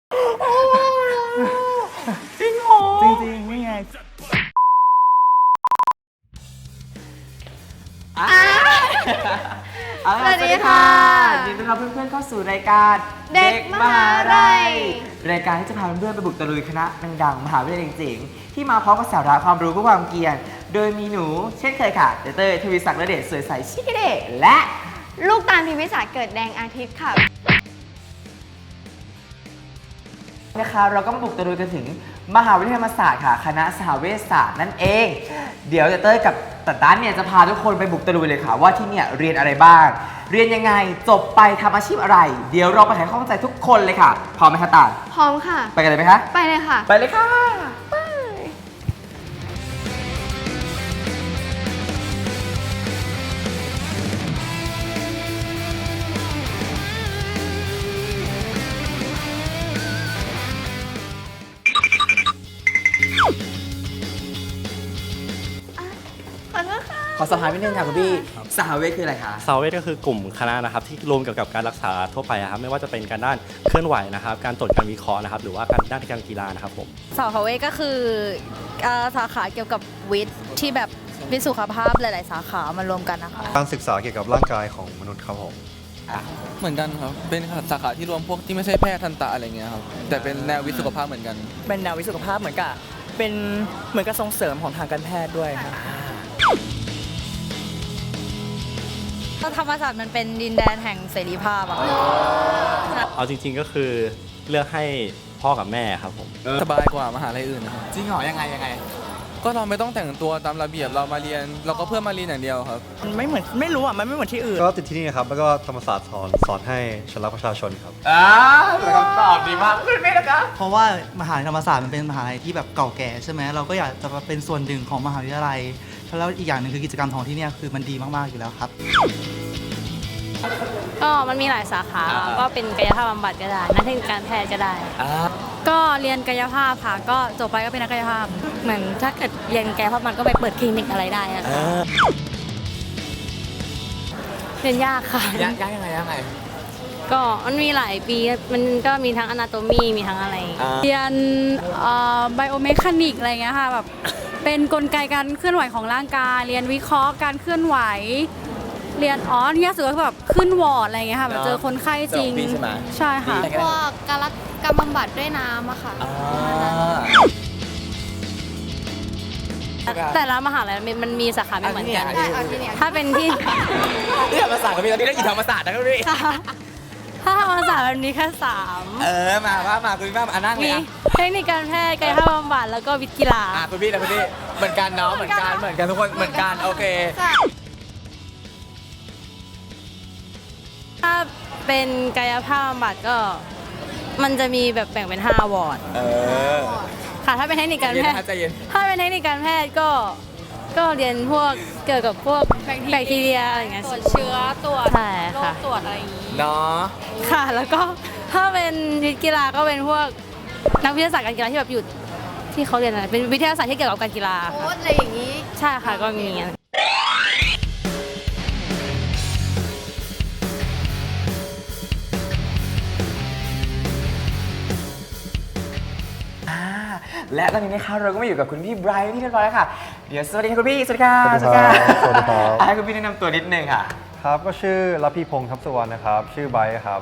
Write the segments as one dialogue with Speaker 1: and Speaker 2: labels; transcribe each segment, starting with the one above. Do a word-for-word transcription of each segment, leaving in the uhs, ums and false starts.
Speaker 1: จริงเหรอจริงๆนี่ไง
Speaker 2: สวัสดีค่ะ
Speaker 1: ยินดีต้อนรับเพื่อนๆเข้าสู่รายการ
Speaker 2: เด็กมหาลัย
Speaker 1: รายการที่จะพาเพื่อนๆไปบุกตะลุยคณะดังๆมหาวิทยาลัยเจ๋งๆที่มาพร้อมกับสาระความรู้เพื่อความเกียรติโดยมีหนูเช่นเคยค่ะเต้ยทวีศักดิ์และเดชสวยใสชิคเดชและ
Speaker 2: ลูกตาลพิมพิสารเกิดแดงอาทิตย์ค่ะ
Speaker 1: นะคะเราก็มาบุกตะลุยกันถึงมหาวิทยาลัยธรรมศาสตร์ค่ะคณะสหเวชศาสตร์นั่นเองเดี๋ยวเต้ยกับตันตันเนี่ยจะพาทุกคนไปบุกตะลุยเลยค่ะว่าที่เนี่ยเรียนอะไรบ้างเรียนยังไงจบไปทำอาชีพอะไรเดี๋ยวเราไปไขข้อข้องใจทุกคนเลยค่ะพร้อมไหมคะตาล
Speaker 2: พร้อมค่ะ
Speaker 1: ไปกันเลยไหมคะ
Speaker 2: ไปเลยค่ะ
Speaker 1: ไปเลยค่ะ
Speaker 2: ขอโทษค่ะ
Speaker 1: ขอสอบถามนิดนึงค่ะคุณพี่สหเวชคืออะไรคะ
Speaker 3: ซาวเวทก็คือกลุ่มคณะนะครับที่รวมเกี่ยวกับการรักษาทั่วไปครับไม่ว่าจะเป็นการด้านเคลื่อนไหวนะครับการตรวจการวิเคราะห์นะครับหรือว่าการด้านการกีฬานะครับผม
Speaker 4: สาวเวทก็คือเอ่อสาขาเกี่ยวกับวิทย์ที่แบบวิทย์สุขภาพหลาย ๆ สาขามารวมกันนะคะ
Speaker 5: การศึกษาเกี่ยวกับร่างกายของมนุษย์ครับผม
Speaker 6: เหมือนกันครับ เป็นสาขาที่รวมพวกที่ไม่ใช่แพทย์ทันตะอะไรเงี้ยครับ แต่เป็นแนววิทย์สุขภาพเหมือนกัน
Speaker 7: เป็นแนววิทยสุขภาพเหมือนกับเป็นเหมือนกับส่งเสริมของทางการแพทย์ด้วยครับ
Speaker 4: ธรรมศาสตร์มันเป็นดินแดนแห่งเสรีภาพอะ
Speaker 3: เอาจริงๆก็คือเลือกให้พ่อกับแม่ครับผม
Speaker 6: สบายกว่ามหาลัยอื่นนะครับ
Speaker 1: จริงเหรอยังไงยังไง
Speaker 6: ก็เราไม่ต้องแต่งตัวตามระเบียบเรามาเรียน เราก็เพื่อมาเรียนอย่างเดียวครับ
Speaker 7: มันไม่เหมือนไม่รู้อ่ะ มันไม่เหมือนที่อื่น
Speaker 5: ก็ติดที่นี่นะครับ แล้วก็ธรรมศาสตร์สอนสอนให้ชนรักประชาชนครับ
Speaker 1: อ่าเป็นคำตอบดีมากคุณพี่นะคะ
Speaker 8: เพราะว่ามหาวิทยาลัยธรรมศาสตร์มันเป็นมหาลัยที่แบบเก่าแก่ใช่ไหมเราก็อยากจะมาเป็นส่วนหนึ่งของมหาวิทยาลัยแล้วอีกอย่างหนึ่งคือกิจกรรมของที่เนี่ยคือมันดีมากๆอยู่แล้วครับ
Speaker 9: ก็มันมีหลายสาขา ก็เป็นกายภาพบำบัดก็ได้นักเทคนิคการแพทย์ก็ได้ ก็เรียนกายภาพค่ะ ก็จบไปก็เป็นนักกายภาพ เหมือนถ้าเกิดเรียนกายภาพมันก็ไปเปิดคลินิกอะไรได้อะเรียนยากค่ะ
Speaker 1: ยากยากยังไงยังไง
Speaker 9: ก็มันมีหลายปี มันก็มีทั้งอนาโตมีมีทั้งอะไร
Speaker 7: เรียนไบโอเมคานิกอะไรเงี้ยค่ะ แบบเป็นกลไกการเคลื่อนไหวของร่างกาย เรียนวิเคราะห์การเคลื่อนไหว เรียนอ๋อเนี่ยสุดก็คือแบบขึ้นวอร์ดอะไรเงี้ยค่ะแบบเจอคนไข้จริง ใช่ค่ะ
Speaker 2: พวกการรักการบำบัดด้วยน้ำอะค่ะ
Speaker 9: แต่ละมหาลัยมันมันมีสาขาไม่เหมือนกัน
Speaker 2: ใช่เอาที่เนี่ย
Speaker 9: ถ้าเป็นที่
Speaker 1: ที่ธรรมศาสตร์ก็มีตอนนี้ได้อยู่ธรรมศาสตร์นะครับพี่
Speaker 9: ถ้าธรรมศาสตร์มันมีแค่สาม
Speaker 1: เออมาว่ามาคุณพี่มาอ่ะนั่งเล
Speaker 9: มี
Speaker 1: ยอ่ะ
Speaker 9: เทคนิคการแพทย์กายภาพบำบัดแล้วก็วิทย์กีฬา
Speaker 1: อ่ะคุณพี่นะคุณพี่เหมือนกันเนาะเหมือนกันเหมือนกันทุกคนเหมือนกันโอเค
Speaker 9: ถ้าเป็นกายภาพบำบัดก็มันจะมีแบบแบ่งเป็นห้าวอร์ด
Speaker 1: เออ
Speaker 9: ค่ะถ้าเป็นเทคนิคการ
Speaker 1: เย็น
Speaker 9: แพท
Speaker 1: นะ
Speaker 9: ย์
Speaker 1: ใจเย็น
Speaker 9: ถ้าเป็นเทคนิคการแพทย์ก็ก็เรียนพวกเกี่ยวกับพวกแบคทีเรียอะไรอย่างเงี้ย
Speaker 4: ตรวจเชื้อตรวจ
Speaker 9: ใช่
Speaker 4: โร
Speaker 9: ค่ะ
Speaker 4: คตรวจอะไรอย่างนี้
Speaker 1: เนาะ
Speaker 9: ค่ะ แล้วก็ถ้าเป็นวิทย์กีฬาก็เป็นพวกนักวิทยาศาสตร์การกีฬาที่แบบอยู่ที่เขาเรียนอะไรเป็นวิทยาศาสตร์ที่เกี่ยวกับการกีฬา
Speaker 2: โค้ดอะไรอย่างนี้
Speaker 9: ใช่ค่ะก็มี
Speaker 1: อ่าและตอนนี้นะคะเราก็มาอยู่กับคุณพี่ไบรท์ที่เรียบร้อยแล้วค่ะเดี๋ยวสวัสดีค่ะคุณพี่สวัสดีค่ะ
Speaker 5: สวัสดีครับสวัสดีครับ
Speaker 1: อ่ะให้คุณพี่แนะนำตัวนิดนึงค่ะ
Speaker 5: ครับ ก็ชื่อรัพีพงษ์ทัพสุวรรณนะครับ ชื่อไบร์ทครับ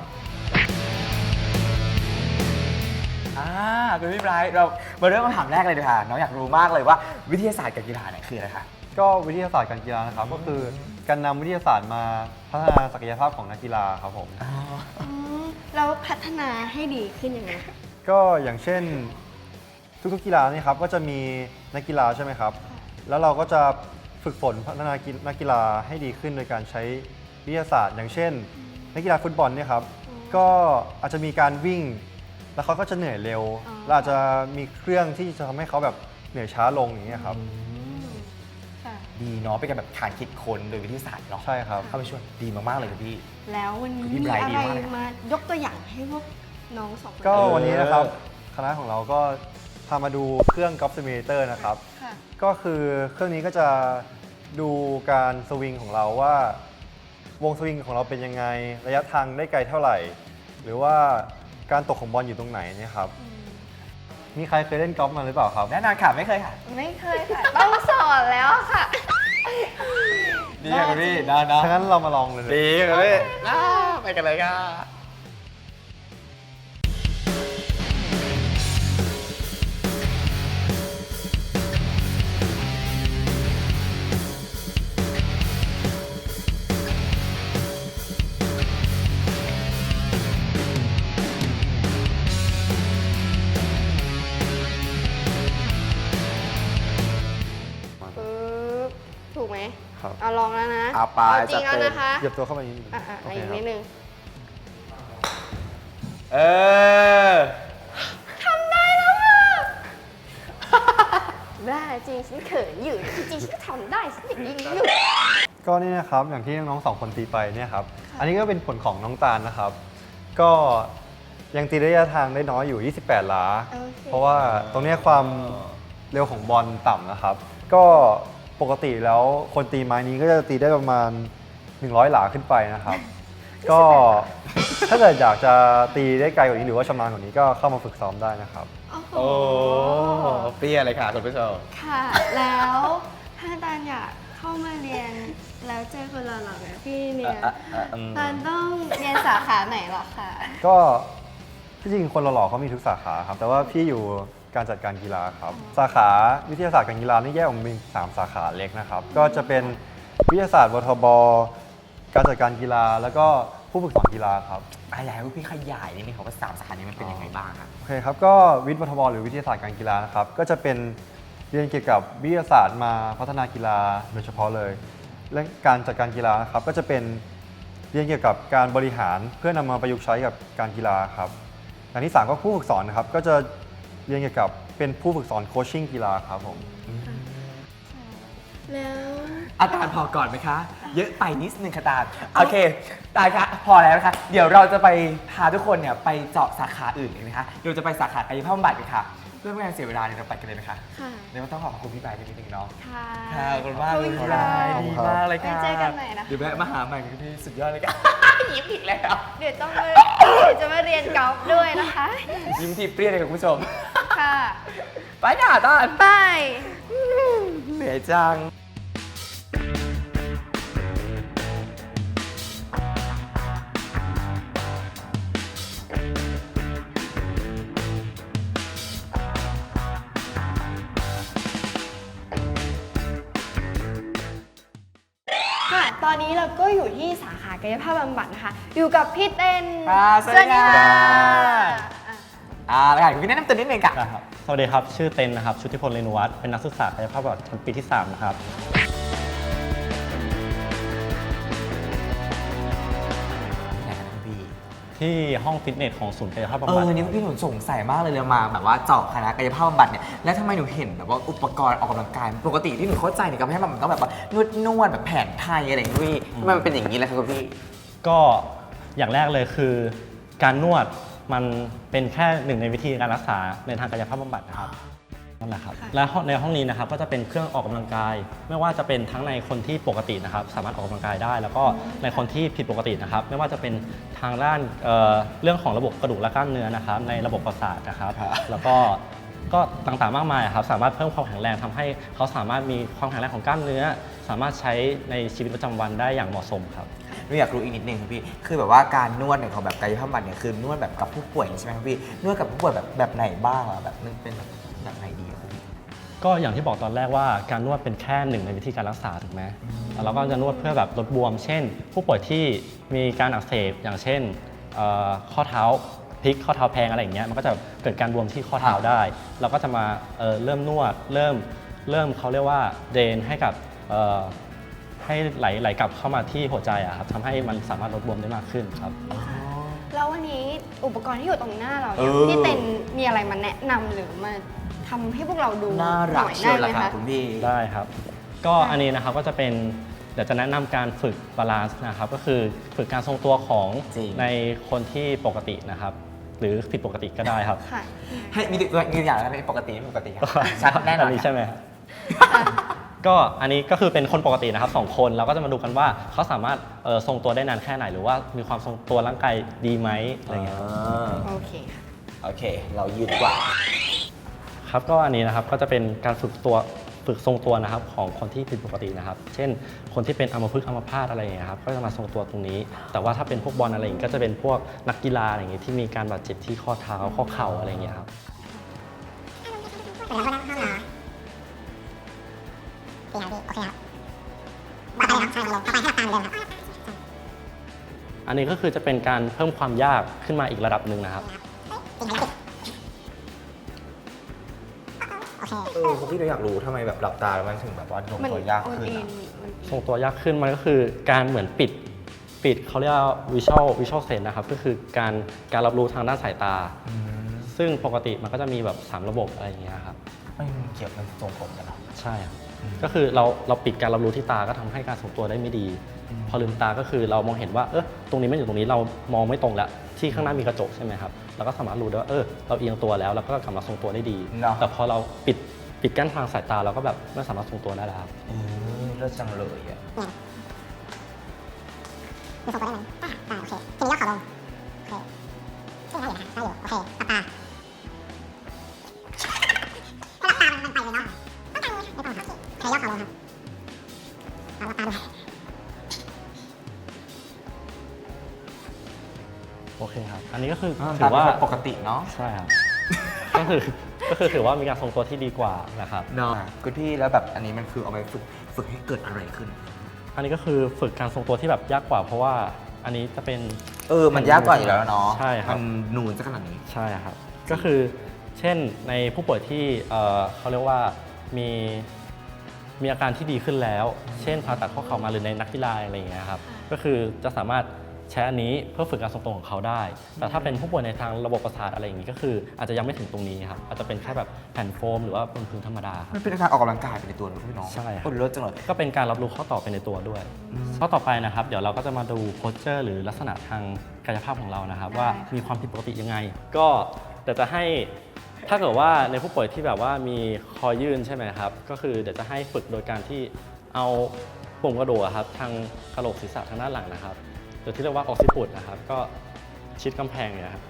Speaker 1: อ่าคุณพี่ไบรท์เรามาเริ่มคำถามแรกเลยดีกว่าน้องอยากรู้มากเลยว่าวิทยาศาสตร์กับกีฬาเนี่ยคืออะไรคะ
Speaker 5: ก็วิทยาศาสตร์การกีฬานะครับ ก็คือการนำวิทยาศาสตร์มาพัฒนาศักยภาพของนักกีฬาครับผม
Speaker 2: อืมแล้วพัฒนาให้ดีขึ้นยังไงคะ
Speaker 5: ก็อย่างเช่นทุกๆกีฬานี่ครับก็จะมีนักกีฬาใช่ไหมครับ แล้วเราก็จะฝึกฝนพัฒนานักกีฬาให้ดีขึ้นโดยการใช้วิทยาศาสตร์ อย่างเช่น นักกีฬาฟุตบอลเนี่ยครับก็อาจจะมีการวิ่ง แล้วเขาก็จะเหนื่อยเร็วและอาจจะมีเครื่องที่จะทำให้เขาแบบเหนื่อยช้าลงอย่างเงี้ยครับ
Speaker 2: ค่ะ
Speaker 1: ดีเนาะเป็นการแบบฐานคิดค้นโดยวิทยาศาสตร์เนาะ
Speaker 5: ใช่ครับ
Speaker 1: เข้าไปช่วยดีมากๆเลยคุณพี่
Speaker 2: แล้ววันนี้
Speaker 1: พี่
Speaker 2: มี
Speaker 1: ไบรท์
Speaker 2: อะ
Speaker 1: ดี
Speaker 2: ไร
Speaker 1: มากเลย
Speaker 2: มายกตัวอย่างให้พวกน้องสองคน
Speaker 5: ก็
Speaker 1: เออ
Speaker 5: วันนี้นะครับคณะของเราก็พามาดูเครื่อง Golf Simulator นะครับ
Speaker 2: ค่ะ
Speaker 5: ก็คือเครื่องนี้ก็จะดูการสวิงของเราว่าวงสวิงของเราเป็นยังไง ระยะทางได้ไกลเท่าไหร่ หรือว่าการตกของบอลอยู่ตรงไหนเนี่ยครับมีใครเคยเล่นกอล์ฟมาหรือเปล่าครับ
Speaker 1: แน่นอนค่ะไม่เคยค่ะ
Speaker 2: ไม่เคยค่ะ ต้องสอนแล้วค่ะ
Speaker 1: ดีค่ะคุณพี่นะนะ
Speaker 5: ถ้างั้นเรามาลองเลย
Speaker 1: ดีค่ะพี่นะไปกันเลยค่ะ
Speaker 2: ปึ๊บ ถูกไหม
Speaker 5: ครับ
Speaker 2: เอาลองแล้วนะ
Speaker 1: เอาไป
Speaker 2: จริง
Speaker 1: จัด
Speaker 2: แล้ว
Speaker 1: เต็ม
Speaker 2: นะคะ
Speaker 5: เหยียบตัวเข้าไปนิดนึง
Speaker 2: อ่ะอ่ะ
Speaker 5: โอ
Speaker 2: อี
Speaker 5: เค
Speaker 2: ก
Speaker 5: ครั
Speaker 2: นิ
Speaker 5: บ
Speaker 2: ดนึง
Speaker 1: เออ
Speaker 2: ทำได้แล้วค่ะบ้าจริงฉันเขินอยู่จริงๆฉันก็ทำได้ฉันอย่างนี้อยู่
Speaker 5: ก็นี่นะครับอย่างที่น้องๆสองคนตีไปเนี่ยครับอันนี้ก็เป็นผลของน้องตาลนะครับ ก็ยังตีระยะทางได้น้อยอยู่ ยี่สิบแปด หลา
Speaker 2: โอเค
Speaker 5: เพราะว่าตรงเนี้ยความเร็วของบอลต่ำนะครับ ก็ปกติแล้วคนตีไม้นี้ก็จะตีได้ประมาณ หนึ่งร้อย หลาขึ้นไปนะครับ ก็ถ้าเกิดอยากจะตีได้ไกลกว่านี้หรือว่าชำนาญกว่านี้ก็เข้ามาฝึกซ้อมได้นะครับ
Speaker 2: โอ้โห
Speaker 1: โอ้เปรี้ยเลยค่ะคุณผู้ชม
Speaker 2: ค่ะ แล้วถ้าตาลอยากเข้ามาเรียนแล้วเจอคนหล่อๆแบบพี่เนี่ย
Speaker 1: อ่ะอ่ะอืม
Speaker 2: ตาลต้องเรียนสาขาไหนหรอคะ
Speaker 5: ก็ที่จริงคนหล่อๆเขามีทุกสาขาครับแต่ว่าพี่อยู่การจัดการกีฬาครับสาขาวิทยาศาสตร์การกีฬานี่แยกออกเป็นสามสาขาเล็กนะครับก็จะเป็นวิทยาศาสตร์วทบการจัดการกีฬาแล้วก็ผู้ฝึกสอนกีฬาครับ
Speaker 1: อ่ะอยากให้พี่ขยายนิดนึงครับว่าสามสาขานี้มันเป็นยังไงบ้างครับ
Speaker 5: โอเคครับก็วิทย์วทบหรือวิทยาศาสตร์การกีฬานะครับก็จะเป็นเรียนเกี่ยวกับวิทยาศาสตร์มาพัฒนากีฬาโดยเฉพาะเลยและการจัดการกีฬานะครับก็จะเป็นเรียนเกี่ยวกับการบริหารเพื่อนำมาประยุกต์ใช้กับการกีฬาครับอย่างที่สามก็ผู้ฝึกสอนนะครับก็จะเรียนเกี่ยวกับเป็นผู้ฝึกสอนโคชชิ่งกีฬาครับผม
Speaker 2: แล้ว
Speaker 1: อาจารย์พอก่อนไหมคะ เยอะไปนิดนึงค่ะตาลโอเคตาลคะพอแล้วนะคะ เดี๋ยวเราจะไปพาทุกคนเนี่ยไปเจาะสาขาอื่นเลยนะคะเราจะไปสาขากายภาพบำบัดกันค่ะ เพื่อไม่ให้เสียเวลาเนี่ยเราไปกันเลยไหมคะ
Speaker 2: ค่ะ
Speaker 1: เดี๋ยวต้องขอขอบคุณพี่ปายนิดนึงเนาะ
Speaker 2: ค่ะ
Speaker 1: ค่ะขอบคุณมาก
Speaker 2: ขอบ
Speaker 1: เล
Speaker 2: คุ
Speaker 1: ย
Speaker 2: ณ
Speaker 1: พี่
Speaker 2: ค่ะ
Speaker 1: ปายดีมากเลยค่ะ
Speaker 2: ไว้เจอกันใหม่นะคะ
Speaker 1: เดี๋ยวแวะมาหาใหม่กันพี่สุดยอดเลยค่ะ ยิ้มอีกแล้ว
Speaker 2: เดี๋ยวต้องมาเดี๋ยวจะมาเรียนกอล์ฟด้วยนะคะ
Speaker 1: ยิ้มทีเปรี้ยเลยค่ะคุณผู้ชม
Speaker 2: ค่ะ
Speaker 1: ไปค่ะตาล
Speaker 2: ไป
Speaker 1: เหนื่อยจัง
Speaker 2: ค่ะ ตอนนี้เราก็อยู่ที่สาขากายภาพบำบัดนะคะ อยู่กับพี่เต้น
Speaker 1: อ่าสวัสดีค่ะ
Speaker 2: อ่ะ
Speaker 1: อ่าแล้วค่ะคุณพี่แนะนำตัวนิดนึงค่ะ
Speaker 3: นะครับสวัสดีครับ ชื่อเต็นนะครับ ชุติพลเรนุวัฒน์เป็นนักศึกษากายภาพบำบัดชั้นปีที่ สาม นะครับ
Speaker 1: ไหนครับคุณพี่
Speaker 3: ที่ห้องฟิตเนสของศูนย์กายภาพบำ
Speaker 1: เอ
Speaker 3: บัด
Speaker 1: อนี่พี่หนูสงสัยมากเลยเรามาแบบว่าเจาะคณะกายภาพบำบัดเนี่ยแล้วทำไมหนูเห็นแบบว่าอุปกรณ์ออกกำลังกายปกติที่หนูเข้าใจเนี่ยกายภาพบำบัดมันต้องแบบว่านวดนวดแบบแผนไทยอะไรอย่างงี้ทำไมมันเป็นอย่างนี้ล่ะครับคุณพี่
Speaker 3: ก็อย่างแรกเลยคือการนวดมันเป็นแค่หนึ่งในวิธีการรักษาในทางกายภาพบำบัดนะครับนั่นแหละครับและในห้องนี้นะครับก็จะเป็นเครื่องออกกำลังกาย ไม่ว่าจะเป็นทั้งในคนที่ปกตินะครับสามารถออกกำลังกายได้ แล้วก็ในคนที่ผิดปกตินะครับไม่ว่าจะเป็นทางด้านเอ่อเรื่องของระบบกระดูกและกล้ามเนื้อนะครับในระบบประสาทนะครับ แล้วก็ก็ต่างๆมากมายครับสามารถเพิ่มความแข็งแรงทำให้เขาสามารถมีความแข็งแรงของกล้ามเนื้อ สามารถใช้ในชีวิตประจำวันได้อย่างเหมาะสมครับ
Speaker 1: หนูอยากรู้อีกนิดนึงครับพี่ คือแบบว่าการนวดเนี่ยของแบบกายภาพบำบัดเนี่ยคือนวดแบบกับผู้ป่วยใช่ไหมครับพี่ นวดกับผู้ป่วยแบบแบบไหนบ้างอะแบบมันเป็นแบบแบบไหนดีอะครับพี่
Speaker 3: ก็อย่างที่บอกตอนแรกว่าการนวดเป็นแค่หนึ่งในวิธีการรักษาถูกไหมแล้วเราก็จะนวดเพื่อแบบลดบวม เช่น ผู้ป่วยที่มีการอักเสบอย่างเช่นเอ่อข้อเท้าพลิกข้อเท้าแพงอะไรอย่างเงี้ยมันก็จะเกิดการบวมที่ข้อเท้าได้ เราก็จะมาเอ่อเริ่มนวดเริ่มเริ่มเขาเรียกว่าเดรนให้กับเอ่อให้ไหลไหลกลับเข้ามาที่หัวใจอะครับทำให้มันสามารถลดบวมได้มากขึ้นครับ
Speaker 2: แล้ววันนี้อุปกรณ์ที่อยู่ตรงหน้าเรา
Speaker 1: เอ
Speaker 2: เนี่ย
Speaker 1: อ
Speaker 2: พี่เต้นมีอะไรมาแนะนำหรือมาทำให้พวกเราดู
Speaker 1: น่า
Speaker 2: ห
Speaker 1: รัก
Speaker 2: น่อย
Speaker 1: เชี
Speaker 2: ได้
Speaker 1: ยว
Speaker 2: ไหม
Speaker 1: ล่ะค่ะ
Speaker 2: คะ
Speaker 1: คุณพี่
Speaker 3: ได้ครับ ก็อันนี้นะครับก็จะเป็นเดี๋ยวจะแนะนำการฝึกบาลานซ์นะครับก็คือฝึกการทรงตัวของ
Speaker 1: จริง
Speaker 3: ในคนที่ปกตินะครับ หรือผิดปกติก็ได้ครับ
Speaker 2: ค่ะ
Speaker 1: ให้มีตัวมีตัวอย่างอะไรปกติไม่ปกติครับชัดแน่นอน
Speaker 3: นี้ใช่ไหมครับ
Speaker 2: อ่ะ
Speaker 3: ก็อันนี้ก็คือเป็นคนปกตินะครับสองคนเราก็จะมาดูกันว่าเขาสามารถเอ่อทรงตัวได้นานแค่ไหนหรือว่ามีความทรงตัวร่างกายดีไหมอะไรเงี้ยครับ
Speaker 2: โอเคค่ะ
Speaker 1: โอเค เรายืนดีกว่า
Speaker 3: ครับก็อันนี้นะครับก็จะเป็นการฝึกตัวฝึกทรงตัวนะครับของคนที่ผิดปกตินะครับ เช่นคนที่เป็นอัมพฤกษ์อัมพาตอะไรอย่างเงี้ยครับก็จะมาทรงตัวตรงนี้ แต่ว่าถ้าเป็นพวกบอลอะไรอย่างเงี้ยก็จะเป็นพวกนักกีฬาอะไรอย่างเงี้ยที่มีการบาดเจ็บที่ข้อเท้าข้อเข่าอะไรอย่างเงี้ยครับอันนี้ก็คือจะเป็นการเพิ่มความยากขึ้นมาอีกระดับหนึ่งนะครับ
Speaker 1: เออคุณพี่เราอยากรู้ทำไมแบบหลับตาแล้วมันถึงแบบว่าทรงตัวยากขึ้นอะ
Speaker 3: ทรงตัวยากขึ้นมันก็คือการเหมือนปิดปิดเขาเรียกว่า visual visual sense นะครับก็คือการการรับรู้ทางด้านสายตา ซึ่งปกติมันก็จะมีแบบสามระบบอะไรอย่างเงี้ยครับ
Speaker 1: ไม่เกี่ยวกับทรงผมกันหรอ
Speaker 3: ใช่ครับก็คือเราเราปิดการรับรู้ที่ตาก็ทำให้การทรงตัวได้ไม่ดี พอลืมตาก็คือเรามองเห็นว่าเออตรงนี้ไม่อยู่ตรงนี้เรามองไม่ตรงแล้วที่ข้างหน้ามีกระจกใช่ไหมครับเราก็สามารถรู้ได้ว่าเออเราเอียงตัวแล้วเราก็กลับมาทรงตัวได้ดี แต่พอเราปิดปิดกั้นทางสายตาเราก็แบบไม่สามารถทรงตัวได้แล้วครับ
Speaker 1: อืมเลิศจังเลยอ่ะ
Speaker 10: มีทรงตัวได้ไหมอ่าอ่าโอเค ทีนี้ยกขาลง โอเคซึ่งได้อยู่นะคะได้อยู่ โอเคหลับตาถ้าหลับตามันไปเลยเนาะต้องการไม่ต้องครับใช้ยกขาลงครับเอาหลับตาดูครับ
Speaker 3: โอเคครับอันนี้ก็คือ
Speaker 1: อ่า
Speaker 3: ถือว่า
Speaker 1: ตามปกติเนาะ
Speaker 3: ใช่ครับ ก็คือก็คือถือว่ามีการทรงตัวที่ดีกว่านะครับ
Speaker 1: เนาะคุณพี่แล้วแบบอันนี้มันคือเอาไปฝึกฝึกให้เกิดอะไรขึ้น
Speaker 3: อันนี้ก็คือฝึกการทรงตัวที่แบบยากกว่าเพราะว่าอันนี้จะเป็น
Speaker 1: เออมันยากกว่าอยู่แล้วเนาะ
Speaker 3: ใช่ครับ
Speaker 1: มันนูนซะขนาดนี้
Speaker 3: ใช่ครับก็คือเช่นในผู้ป่วยที่เอ่อเขาเรียกว่ามีมีอาการที่ดีขึ้นแล้ว เช่นผ่าตัดข้อเข่ามาหรือในนักกีฬาอะไรอย่างเงี้ยครับก็คือจะสามารถใช้อันนี้เพื่อฝึกการทรงตัวของเขาได้ แต่ถ้าเป็นผู้ป่วยในทางระบบประสาทอะไรอย่างนี้ก็คืออาจจะยังไม่ถึงตรงนี้ครับอาจจะเป็นแค่แบบแผ่นโฟมหรือว่าบนพื้นธรรมดาครับ
Speaker 1: มันเป็นการออกกำลังกายไปในตัวเลยพี่น้อง
Speaker 3: ใช่ครับ
Speaker 1: โอ้เลิศจังเลย
Speaker 3: ก็เป็นการรับรู้ข้อต่อไปในตัวด้วย ข้อต่อไปนะครับ เดี๋ยวเราก็จะมาดูโพสเจอร์หรือลักษณะทางกายภาพของเรานะครับ ว่ามีความผิดปกติยังไง ก็เดี๋ยวจะให้ถ้าเกิดว่าในผู้ป่วยที่แบบว่ามีคอยื่นใช่ไหมครับก็คือเดี๋ยวจะให้ฝึกโดยการที่เอาปุ่มกระดูกอะครับทางกระโหลกศีรษะทางด้านหลังนะครับหรือที่เรียกว่าออกซิปุตนะครับก็ชิดกำแพงเนี่ยครับ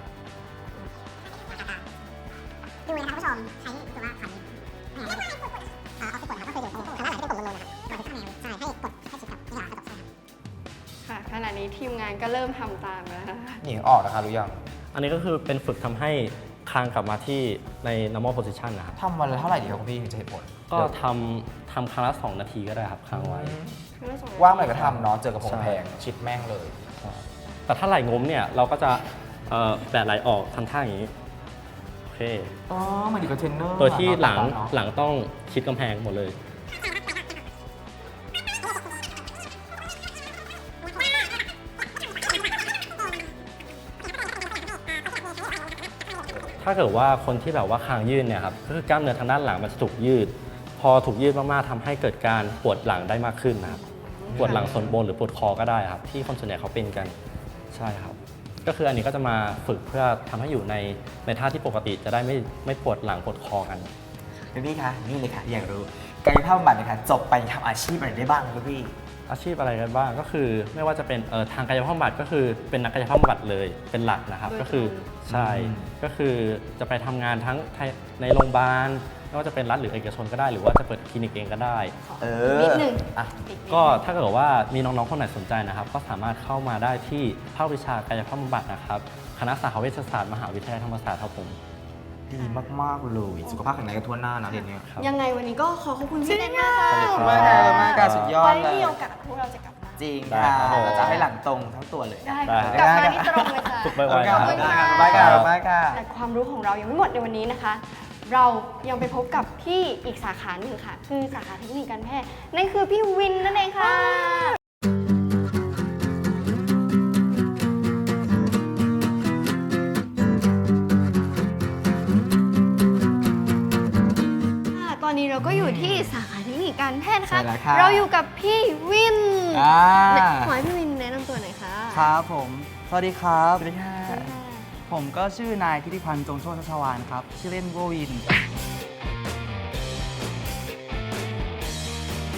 Speaker 10: ดูนะครับผู้ชมใช้ตัวว่าขันเอ่อเอาที่กดนะครับก็คืออยู่ตรงทางด้านหลังที่เป็นกดลงๆนะครับเราจะข้างในใช่ให้กดให้ชิดกับนี่ค่ะกระจกใช่ครับ
Speaker 2: ค่ะขณะนี้ทีมงานก็เริ่มทำตามแล้วนะคะ
Speaker 1: หญิงออกนะคะรู้ยัง
Speaker 3: อันนี้ก็คือเป็นฝึกทำให้คางกลับมาที่ใน normal position นะครับ
Speaker 1: ทำวันละเท่าไหร่ดีครับคุณพี่ถึงจะเห็นผล
Speaker 3: ก็ทำทำครั้งละสองนาทีก็ได้ครับค้างไว้
Speaker 1: ว่างเมื่อไหร่ก็ทำเนาะเจอกับผมแพงชิดแม่งเลย
Speaker 3: แต่ถ้าไหล่งมเนี่ยเราก็จะเอ่อแบะไหล่ออกทำท่าอย่างนี้โอเค
Speaker 1: อ๋อเหมือนดีกับเทรนเนอร์
Speaker 3: โดยที่หลัง
Speaker 1: เนาะ
Speaker 3: หลังต้องชิดกำแพงหมดเลย ถ้าเกิดว่าคนที่แบบว่าคางยืดเนี่ยครับก็คือกล้ามเนื้อทางด้านหลังมันจะถูกยืด พอถูกยืดมากๆทำให้เกิดการปวดหลังได้มากขึ้นนะครับปวดหลังส่วนบนหรือปวดคอก็ได้ครับที่คนส่วนใหญ่เขาเป็นกันใช่ครับก็คืออันนี้ก็จะมาฝึกเพื่อทำให้อยู่ในในท่าที่ปกติจะได้ไม่ไม่ปวดหลังปวดคอกัน
Speaker 1: คุณพี่คะนี่เลยค่ะอยากรู้กายภาพบำบัดเนะคะจบไปทำอาชีพอะไรได้บ้างคุณพี่
Speaker 3: อาชีพอะไรกันบ้างก็คือไม่ว่าจะเป็นเอ่อทางกายภาพบำบัดก็คือเป็นนักกายภาพบำบัดเลยเป็นหลักนะครับก็คือใช่ก็คือจะไปทำงานทั้งในโรงพยาบาลไม่ว่าจะเป็นรัฐหรือเอกชนก็ได้ หรือว่าจะเปิดคลินิกเองก็ได้
Speaker 1: เออ
Speaker 2: นิดหนึ่ง
Speaker 1: อ่ะ
Speaker 3: ก็ถ้าเกิดว่ามีน้องๆคนไหนสนใจนะครับ ก็สามารถเข้ามาได้ที่ภาควิชากายภาพบำบัดนะครับคณะสาขาเวชศาสตร์มหาวิทยาลัยธรรมศาสตร์ครับผม
Speaker 1: ดีมากๆเลยสุขภาพแข็งแรงกันทั่วหน้านะเรียนเนี้ย
Speaker 3: ครับ
Speaker 2: ยังไงวันนี้ก็ขอขอบคุณพี่เต้นมากค่ะ
Speaker 3: ขอบคุณ
Speaker 1: มากค่ะมากค่ะสุดยอด
Speaker 2: ไว้
Speaker 1: เลย
Speaker 2: มีโอกาสพวกเราจะกลับมา
Speaker 1: จริง
Speaker 3: ได้
Speaker 1: ค่ะ
Speaker 3: ครับ
Speaker 1: เราจะให้หลังตรงทั้งตัวเลย
Speaker 2: ได้
Speaker 3: ได้
Speaker 2: ค่ะกลับมาที่ตรงเลยค่ะ
Speaker 3: ฝึกไวๆ
Speaker 1: ขอบ
Speaker 3: ครับ
Speaker 1: คุณค่ะขอบคุณค่ะขอบคุณค่ะ
Speaker 2: แต่ความรู้ของเรายังไม่หมดในวันนี้นะคะ เรายังไปพบกับพี่อีกสาขาหนึ่งค่ะ คือสาขาเทคนิคการแพทย์นั่นคือพี่วินนั่นเองค่ะค่ะตอนนี้เราก็อยู่ที่สาขาเทคนิคการแพทย์นะคะ
Speaker 1: ใช่แล้วค่ะ
Speaker 2: เราอยู่กับพี่วิน
Speaker 1: อ่า
Speaker 2: ขอให้พี่วินแนะนำตัวหน่อยค่ะ
Speaker 8: ครับผม สวัสดีครับ
Speaker 1: สวัสดีค่ะ
Speaker 8: ผมก็ชื่อนายทิติพันธ์จงโชติชัชวานครับ ชื่อเล่นว่าวิน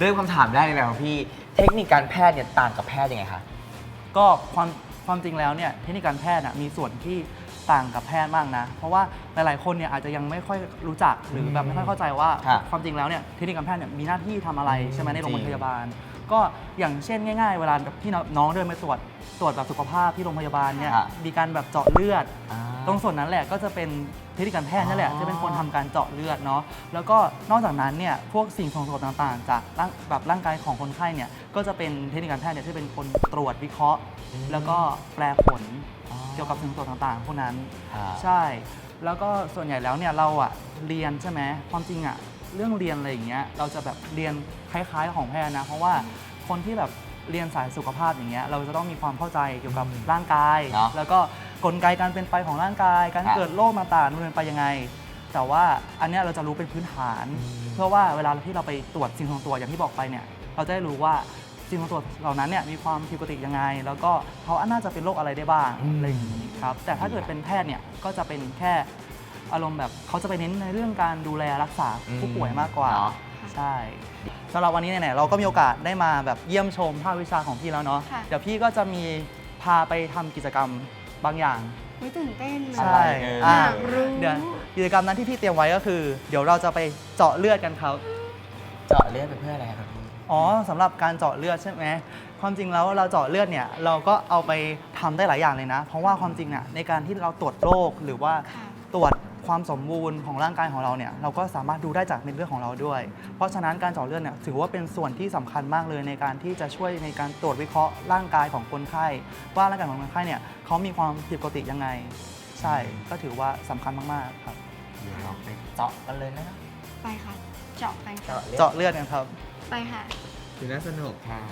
Speaker 1: เริ่มคำถามแรกเลยนะครับพี่เทคนิคการแพทย์เนี่ยต่างกับแพทย์ยังไงคะ
Speaker 8: ก็ความความจริงแล้วเนี่ยเทคนิคการแพทย์น่ะมีส่วนที่ต่างกับแพทย์มากนะ เพราะว่าหลายๆคนเนี่ยอาจจะยังไม่ค่อยรู้จักหรือแบบไม่ค่อยเข้าใจว่า
Speaker 1: ครับ
Speaker 8: ความจริงแล้วเนี่ยเทคนิคการแพทย์เนี่ยมีหน้าที่ทำอะไรใช่ไหมในโรงพยาบาล ก็อย่างเช่นง่ายๆ เวลาที่น้องเดินไปตรวจตรวจแบบสุขภาพที่โรงพยาบาลเนี่ย
Speaker 1: ครับ
Speaker 8: มีการแบบเจาะเลือด
Speaker 1: อ่า
Speaker 8: ตรงส่วนนั้นแหละก็จะเป็นเทคนิคการแพทย์นั่นแหละ
Speaker 1: อ๋อ
Speaker 8: ที่เป็นคนทำการเจาะเลือดเนาะแล้วก็นอกจากนั้นเนี่ยพวกสิ่งส่งผลต่างๆ จากร่างแบบร่างกายของคนไข้เนี่ยก็จะเป็นเทคนิคการแพทย์เนี่ยที่เป็นคนตรวจวิเคราะห์ แล้วก็แปลผลเกี่ยวกับสิ่งส่งผลต่างๆพวกนั้น
Speaker 1: ครับ
Speaker 8: ใช่ แล้วก็ส่วนใหญ่แล้วเนี่ยเราอะเรียนใช่ไหมความจริงอะเรื่องเรียนอะไรอย่างเงี้ยเราจะแบบเรียนคล้ายๆของแพทย์นะเพราะว่าคนที่แบบเรียนสายสุขภาพอย่างเงี้ยเราจะต้องมีความเข้าใจเกี่ยวกับร่างกาย
Speaker 1: เนอะ
Speaker 8: แล้วก็กลไกการเป็นไปของร่างกาย การ
Speaker 1: ครับ
Speaker 8: เกิดโรคต่างๆมันเป็นไปยังไง แต่ว่าอันเนี้ยเราจะรู้เป็นพื้นฐาน เพื่อว่าเวลาที่เราไปตรวจสิ่งของตัวอย่างที่บอกไปเนี่ยเราจะได้รู้ว่าสิ่งของตัวเหล่านั้นเนี่ยมีความผิดปกติยังไง แล้วก็เขาน่าจะเป็นโรคอะไรได้บ้าง
Speaker 1: อืม
Speaker 8: อะไรอย่างนี้ครับแต่ถ้าเกิดเป็นแพทย์เนี่ยก็จะเป็นแค่อารมณ์แบบเขาจะไปเน้นในเรื่องการดูแลรักษาผู้ป่วยมากกว่า
Speaker 1: เนอะ
Speaker 8: ใช่สำหรับวันนี้เนี่ยเราก็มีโอกาสได้มาแบบเยี่ยมชมภาควิชาของพี่แล้วเนาะ
Speaker 2: ค่ะ
Speaker 8: เดี๋ยวพี่ก็จะมีพาไปทำกิจกรรมบางอย่าง
Speaker 2: ไม่ตื่นเต้นนะ
Speaker 8: ใช่
Speaker 1: เออ
Speaker 8: อ่ะ
Speaker 2: อยากรู้
Speaker 8: เดี๋ยวกิจกรรมนั้นที่พี่เตรียมไว้ก็คือ เดี๋ยวเราจะไปเจาะเลือดกันครับ
Speaker 1: เจาะเลือดเป็นเพื่ออะไรครับพี่
Speaker 8: อ๋อสำหรับการเจาะเลือดใช่ไหมความจริงแล้วเราเจาะเลือดเนี่ยเราก็เอาไปทำได้หลายอย่างเลยนะ เพราะว่าความจริงน่ะในการที่เราตรวจโรคหรือว่า
Speaker 2: ค่ะ
Speaker 8: ตรวจความสมบูรณ์ของร่างกายของเราเนี่ยเราก็สามารถดูได้จากเม็ดเลือดของเราด้วย เพราะฉะนั้นการเจาะเลือดเนี่ยถือว่าเป็นส่วนที่สำคัญมากเลยในการที่จะช่วยในการตรวจวิเคราะห์ร่างกายของคนไข้ ว่าร่างกายของคนไข้เนี่ยเขามีความผิดปกติยังไง ใช่ก็ถือว่าสำคัญมากๆครับ
Speaker 1: เดี๋ยวเราไปเจาะกันเลยนะครับ
Speaker 2: ไปค่ะ เจาะไปค่ะ
Speaker 1: เจาะเลือด
Speaker 8: เจาะเลือดกันครับ
Speaker 2: ไปค่ะ
Speaker 1: ดูน่าสนุกค่ะ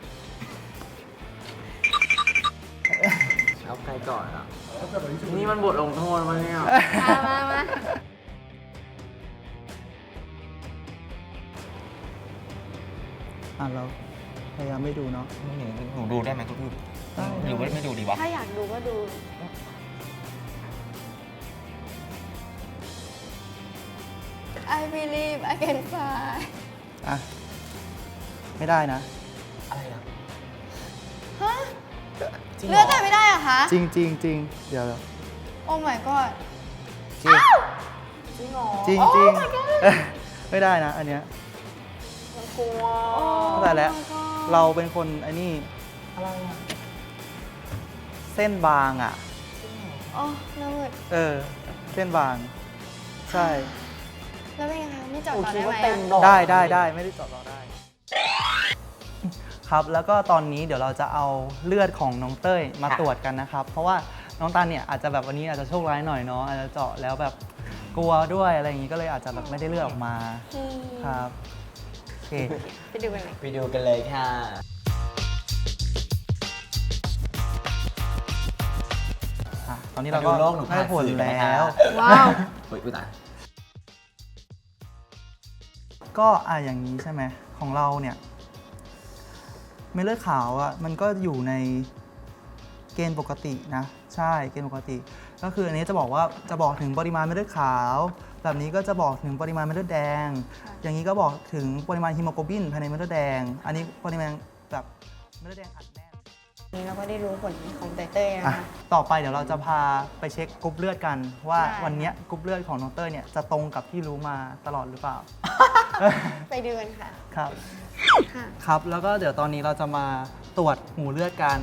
Speaker 1: เอาใครก่อนอ่ะนี่มันบทลงโทษมาเนี่ย
Speaker 2: มามามา
Speaker 8: อ่ะเราพยายามไม่ดูเนาะ
Speaker 1: หนูหนูดูได้ไหมทุกทีหรือว่าไม่ดูดีวะ
Speaker 2: ถ้าอยากดูก็ดู I believe I can fly
Speaker 8: อ่ะไม่ได้นะ
Speaker 1: อะไรอ่ะ
Speaker 2: ฮะ
Speaker 1: จริงเหร
Speaker 2: เลือดแต่ไม่ได้เหรอคะ
Speaker 8: จริงจริงจริงเดี๋ยว
Speaker 2: โอ้ my god
Speaker 8: จริง
Speaker 2: จริงเหรอ
Speaker 8: จริง
Speaker 2: โอ้
Speaker 8: จริง
Speaker 2: my god
Speaker 8: ไม่ได้นะอันเนี้ย
Speaker 2: กลัว
Speaker 8: เข้าใจแล้ว เราเป็นคนไอ้นี่
Speaker 1: อะไรอ่ะ
Speaker 8: เส้นบางอ่ะ
Speaker 2: โอ้หน้ามืด
Speaker 8: เออ เส้นบาง ใช่
Speaker 2: แล้วเป็นไงคะไม่เจอด
Speaker 1: หนู
Speaker 2: ต่อ
Speaker 1: คิด
Speaker 2: ได้ไหม
Speaker 1: ว่าเต็ม
Speaker 2: อะ
Speaker 1: ดอก
Speaker 8: ได้ได้ได้ไม่ได้เจาะเราได้ ครับแล้วก็ตอนนี้เดี๋ยวเราจะเอาเลือดของน้องเต้ยมาตรวจกันนะครับ เพราะว่าน้องตาลเนี่ยอาจจะแบบวันนี้อาจจะโชคร้ายหน่อยเนาะอาจจะเจาะแล้วแบบกลัวด้วยอะไรอย่างนี้ก็เลยอาจจะแบบไม่ได้เลือดออกมา
Speaker 2: อืม
Speaker 8: ครับโอเค
Speaker 2: ไปดูกันเลย
Speaker 1: ไปดูกันเลยค่ะ
Speaker 8: อ่ะตอนนี้เราก็
Speaker 1: มาดูโลกหนู
Speaker 8: ได้ผล
Speaker 1: ผ่านสื่อกันนะคะ
Speaker 8: แล้ว
Speaker 2: ว้าว
Speaker 1: เฮ้ยอุ๊ยตาย
Speaker 8: ก็อ่ะอย่างนี้ใช่ไหมของเราเนี่ยเม็ดเลือดขาวอ่ะมันก็อยู่ในเกณฑ์ปกตินะใช่เกณฑ์ปกติ ก็คืออันนี้จะบอกว่าจะบอกถึงปริมาณเม็ดเลือดขาว แบบนี้ก็จะบอกถึงปริมาณเม็ดเลือดแดง อย่างนี้ก็บอกถึงปริมาณฮีโมโกลบินภายในเม็ดเลือดแดง อันนี้ปริมาณแบบเม็ดเลือดแดงอัดแน่น
Speaker 2: นี่เราก็ได้รู้ผลของเต้ยเต้ยนะ
Speaker 8: อ่ะ
Speaker 2: คะ
Speaker 8: ต่อไปเดี๋ยวเราจะพาไปเช็คกรุ๊ปเลือดกัน ว่า
Speaker 2: ได้
Speaker 8: วันเนี้ยกรุ๊ปเลือดของน้องเต้ยเนี่ยจะตรงกับที่รู้มาตลอดหรือเปล่า
Speaker 2: ไปดูกันค่ะ
Speaker 8: ครับ
Speaker 2: ค่ะ
Speaker 8: ครับ แล้วก็เดี๋ยวตอนนี้เราจะมาตรวจหูเลือดกัน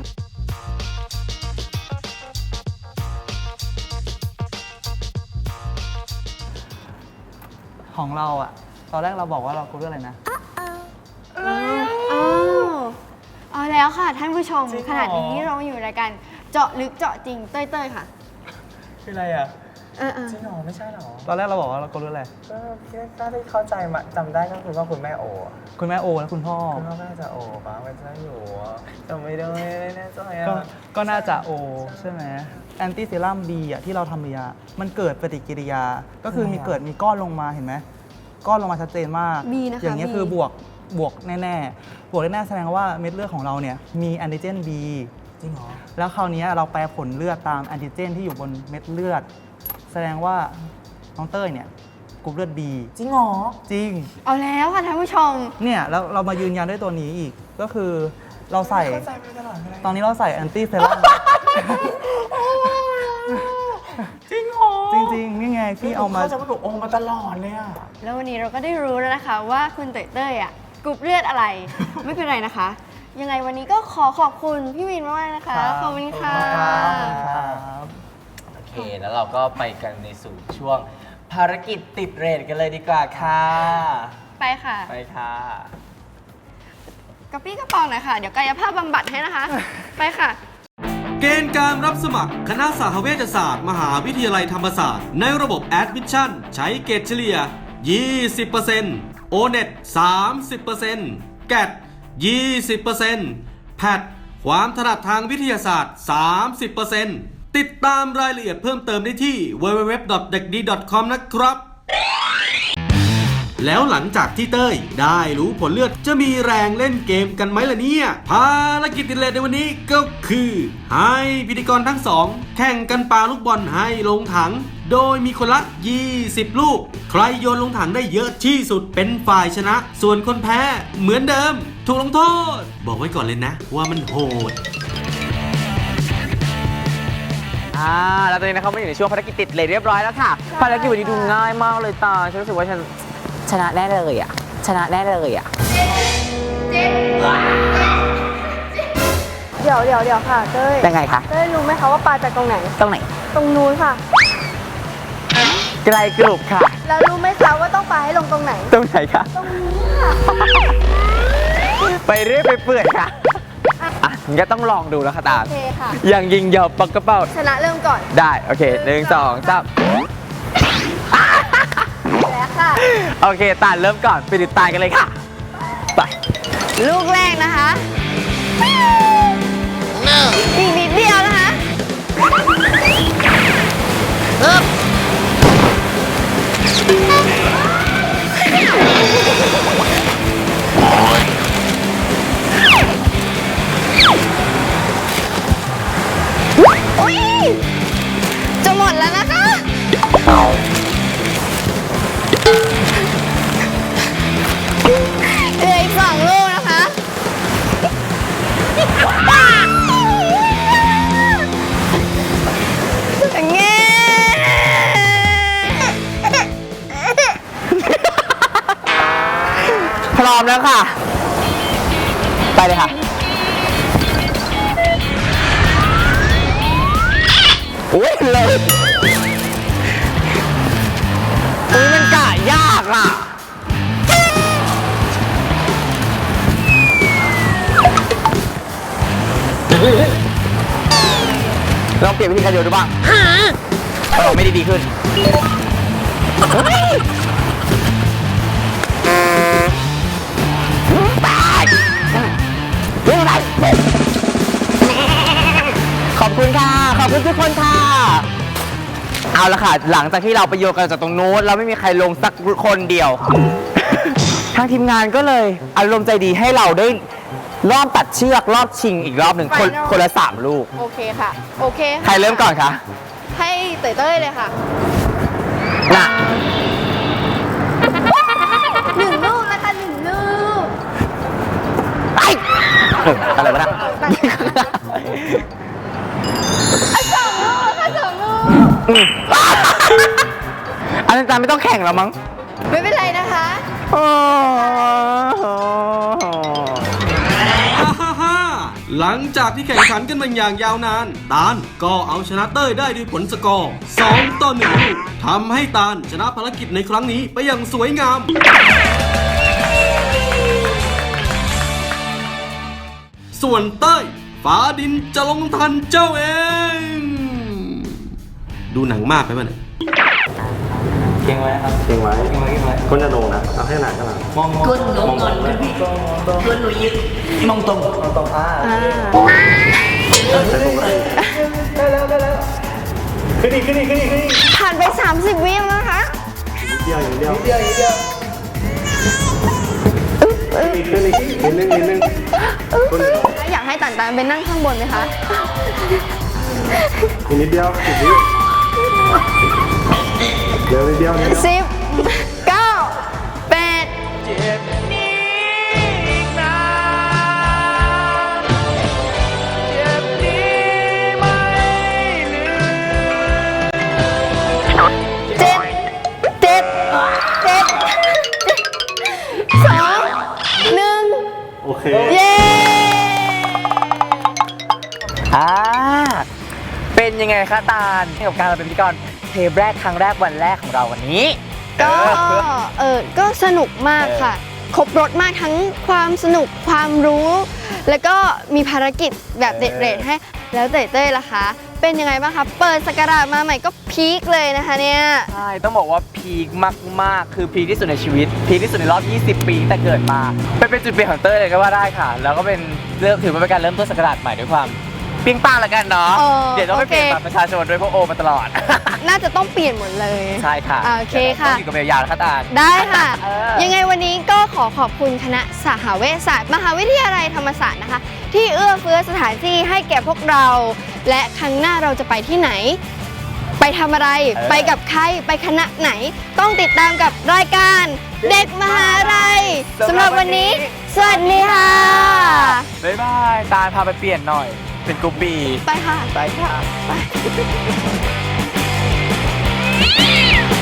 Speaker 8: ของเราอะตอนแรกเราบอกว่าเรากรุ๊ปเลือดอะไรนะ
Speaker 2: อ้าวเอาแล้วค่ะท่านผู้ชม
Speaker 8: จริงเหรอ
Speaker 2: ขนาดนี้เราอยู่รายการเจาะลึกเจาะจริงเต้ยเต้ยค่ะ
Speaker 8: คืออะไรอะ
Speaker 2: เออเออ
Speaker 1: จริงเหรอไม่ใช่เหรอ
Speaker 8: ตอนแรกเราบอกว่าเรากรุ๊ปเลือดอะไร
Speaker 1: ก็ที่ได้เข้าใจมาจำได้ก็คือว่าคุณแม่โอ
Speaker 8: คุณแม่โอและคุณพ่อ
Speaker 1: คุณพ่อก็น่าจะโอปะมันจะอยู่จำไม่ได้ไม่แน่ใจอ่ะ
Speaker 8: ก็ก็น่าจะโอใช่ไหมแอนตี้เซรั่ม B อ่ะที่เราทำยา มันเกิดปฏิกิริยา ก็คือมีเกิดมีก้อนลงมาเห็นไหมก้อนลงมาชัดเจนมาก
Speaker 2: B นะคะ
Speaker 8: อย่างนี้ย
Speaker 2: B
Speaker 8: คือบวกบวกแน่ๆ บวกแน่ๆแสดงว่าเม็ดเลือดของเราเนี่ยมีแอนติเจน B
Speaker 1: จริงเหรอ
Speaker 8: แล้วคราวนี้เราแปลผลเลือดตามแอนติเจนที่อยู่บนเม็ดเลือด แสดงว่าน้องเต้ยเนี่ยกรุ๊ปเลือด B
Speaker 1: จริงเหรอ
Speaker 8: จริง
Speaker 2: เอาแล้วค่ะท่านผู้ชม
Speaker 8: เนี่ยแล้วเรามายืนยันด้วยตัวนี้อีกก็คือเราใส่
Speaker 1: เข้าใจมาตลอดเลย
Speaker 8: ตอนนี้เราใส่แอนตี้เซรั่ม
Speaker 1: จริงเหรอ
Speaker 8: จริงๆนี่ไงที่เอามา
Speaker 1: เข้าใจว่าหนูโอมาตลอดเลยอะ
Speaker 2: แล้ววันนี้เราก็ได้รู้แล้วนะคะว่าคุณเต้ยเต้ยอ่ะกรุ๊ปเลือดอะไร ไม่เป็นไรนะคะ ยังไงวันนี้ก็ขอขอบคุณพี่วินมากๆนะคะ ขอบคุณค่ะ
Speaker 1: โอเค แล้วเราก็ไปกันในสู่ช่วงภารกิจติดเรทกันเลยดีกว่าค่ะ
Speaker 2: ไปค่ะ
Speaker 1: ไปค่ะ
Speaker 2: กระปี้กระเป๋าหน่อยค่ะ เดี๋ยวกายภาพบำบัดให้นะคะ ไปค่ะ
Speaker 11: เกณฑ์การรับสมัครคณะสาขาเวชศาสตร์ มหาวิทยาลัยธรรมศาสตร์ในระบบ Admission ใช้เกรดเฉลี่ย ยี่สิบเปอร์เซ็นต์ โอ เน็ต สามสิบเปอร์เซ็นต์ แกท ยี่สิบเปอร์เซ็นต์ แพท ความถนัดทางวิทยาศาสตร์ สามสิบเปอร์เซ็นต์ ติดตามรายละเอียดเพิ่มเติมได้ที่ ดับเบิลยู ดับเบิลยู ดับเบิลยู ดอท เด็กดี ดอท คอม นะครับ แล้วหลังจากที่เต้ยได้รู้ผลเลือดจะมีแรงเล่นเกมกันไหมล่ะเนี่ย ภารกิจติดเลทในวันนี้ก็คือให้พิธีกรทั้งสองแข่งกันปาลูกบอลให้ลงถัง โดยมีคนละ ยี่สิบ ลูก ใครโยนลงถังได้เยอะที่สุดเป็นฝ่ายชนะ ส่วนคนแพ้เหมือนเดิม ถูกลงโทษ บอกไว้ก่อนเลยนะว่ามันโหด
Speaker 1: อ่า แล้วตอนนี้นะครับมาอยู่ในช่วงภารกิจติดเรทเรียบร้อยแล้วค่ะ ภารกิจวันนี้ดูง่ายมากเลยตา ฉันรู้สึกว่าฉันชนะแน่เลยอ่ะ ชนะแน่เลยอ่ะ
Speaker 2: เดี๋ยวเดี๋ยวเดี๋ยวค่ะเต้ย
Speaker 1: ยังไงคะ
Speaker 2: เต้ยรู้ไหมคะว่าปลาจากตรงไหน
Speaker 1: ตรงไหน
Speaker 2: ตรงนู้นค่ะ
Speaker 1: ไกลกรุบค่ะ
Speaker 2: แล้วรู้ไหมคะว่าต้องปลาให้ลงตรงไหน
Speaker 1: ตรงไหนคะ
Speaker 2: ตรงนี้ค่ะ
Speaker 1: ไปเรื่อยไปเปื่อยค่ะ อ่ะงั้นก็ต้องลองดูแล้วค่ะตา
Speaker 2: โอเคค่ะ
Speaker 1: อย่างยิงยาวปักกระเป๋า
Speaker 2: ชนะเริ่มก่อน
Speaker 1: ได้ โอเคหนึ่งสองสาม
Speaker 2: แล้วค่ะ
Speaker 1: โอเค ตาลเริ่มก่อน ไปติดตามกันเลยค่ะ ไป
Speaker 2: ลูกแรกนะคะอีกนิดเดียวนะคะอุ๊ยจะหมดแล้วนะคะเหลืออีกสองลูกนะคะอย่างเงี้ย
Speaker 1: พร้อมแล้วค่ะ ไปเลยค่ะ อุ้ยเลยอุ้ยมันกะยากอ่ะ ลองเปลี่ยนวิธีการโยนดูบ้างเออไม่ได้ดีขึ้นขอบคุณค่ะ ขอบคุณทุกคนค่ะ เอาละค่ะ หลังจากที่เราไปโยนกันจากตรงโน้นเราไม่มีใครลงสักคนเดียว ทางทีมงานก็เลยอารมณ์ใจดีให้เราได้รอบตัดเชือกรอบชิงอีกรอบหนึ่งคน
Speaker 2: Final
Speaker 1: คนละสามลูก
Speaker 2: โอเคค่ะ โอเคค่ะ
Speaker 1: ใครเริ่มก่อนคะ
Speaker 2: ให้เต้ยเต้ยเลยค่ะ
Speaker 1: น่ะ
Speaker 2: หนึ่งลูกนะคะหนึ่งลูก
Speaker 1: ไอ้เอออะไรวะเนะ
Speaker 2: สองลูกค่ะสองลูก
Speaker 1: อันนั้นจานไม่ต้องแข่งแล้วมั้ง
Speaker 2: ไม่เป็นไรนะคะ
Speaker 11: ฮ่าฮ่าฮ่าหลังจากที่แข่งขันกันมาอย่างยาวนาน ตาลก็เอาชนะเต้ยได้ด้วยผลสกอร์สองต่อหนึ่งลูกทำให้ตาลชนะภารกิจในครั้งนี้ไปอย่างสวยงาม ส่วนเต้ยฟ้าดินจะลงทันเจ้าเอง ดูหนังมากไปมั้ยเนี่ย
Speaker 3: เก่งไว้ครับเก่งไว้เก่งไว้เก่งไว้คนจะโดนนะเอาให้หนักขนาดมองมองก้นลงก่อนขึ้นพี่ก้นหนูยืดมองตรงมองตรงอ่าได้แล้วได้แล้วขึ้นอีกขึ้นอีกขึ้นอีกขึ้นอีก
Speaker 2: ผ่านไปสามสิบวิแล้วนะคะ
Speaker 3: เดียวอย่างเดียวเดียวเดียวอีกขึ้นอีกนิดนึงนิดนึง
Speaker 2: อยากให้ตันตันไปนั่งข้างบนไหมคะ
Speaker 3: อีกนิดเดียวอีกนิดเดียวนิดเดียวนิดเดียว
Speaker 2: สิบ
Speaker 1: คะตาลกับการมาเป็นพิธีกรเทปแรกครั้งแรกวันแรกของเราวันนี้
Speaker 2: ก็เออก็สนุกมากค่ะ ครบรถมากทั้งความสนุกความรู้ แล้วก็มีภารกิจแบบเด็ดๆให้แล้วเต้เต้ล่ะคะเป็นยังไงบ้างคะเปิดสกราชมาใหม่ก็พีคเลยนะคะเนี่ย
Speaker 1: ใช่ต้องบอกว่าพีคมากๆคือพีคที่สุดในชีวิตพีคที่สุดในรอบยี่สิบปีตั้งแต่เกิดมาเป็นเป็นจุดเปลี่ยนของเต้ยเลยก็ว่าได้ค่ะ แล้วก็เป็นเริ่มถือว่าเป็นการเริ่มต้นสกราชใหม่ด้วยความเปรี้ยงป้างแล้วกันเนาะ
Speaker 2: เออ
Speaker 1: เดี๋ยวต้องไป
Speaker 2: โอ
Speaker 1: เป
Speaker 2: เค
Speaker 1: ลี่ยนบัตรประชาชนด้วยพวกโอมาตลอด
Speaker 2: น่าจะต้องเปลี่ยนหมดเลย
Speaker 1: ใช่ค่ะ
Speaker 2: อ่าโอเคค่ะ
Speaker 1: ดี๋ยวราต้องอยู่กับเบลยาวแล้วค่ะตาล
Speaker 2: ได้ค่ะ
Speaker 1: เออ
Speaker 2: ยังไงวันนี้ก็ขอขอบคุณคณะสหเวชศาสตร์มหาวิทยาลัยธรรมศาสตร์นะคะ ที่เอื้อเฟื้อสถานที่ให้แก่พวกเรา และครั้งหน้าเราจะไปที่ไหน ไปทำอะไร ไปกับใครไปคณะไหน ต้องติดตามกับรายการเด็กมหาลัยสำหรับวันนี้ สวัสดีค่ะ
Speaker 1: บ๊ายบายตาลพาไปเปลี่ยนหน่อย เป็นกรุ๊ปบี
Speaker 2: ไปค่ะ
Speaker 1: ไปค่ะ
Speaker 2: ไป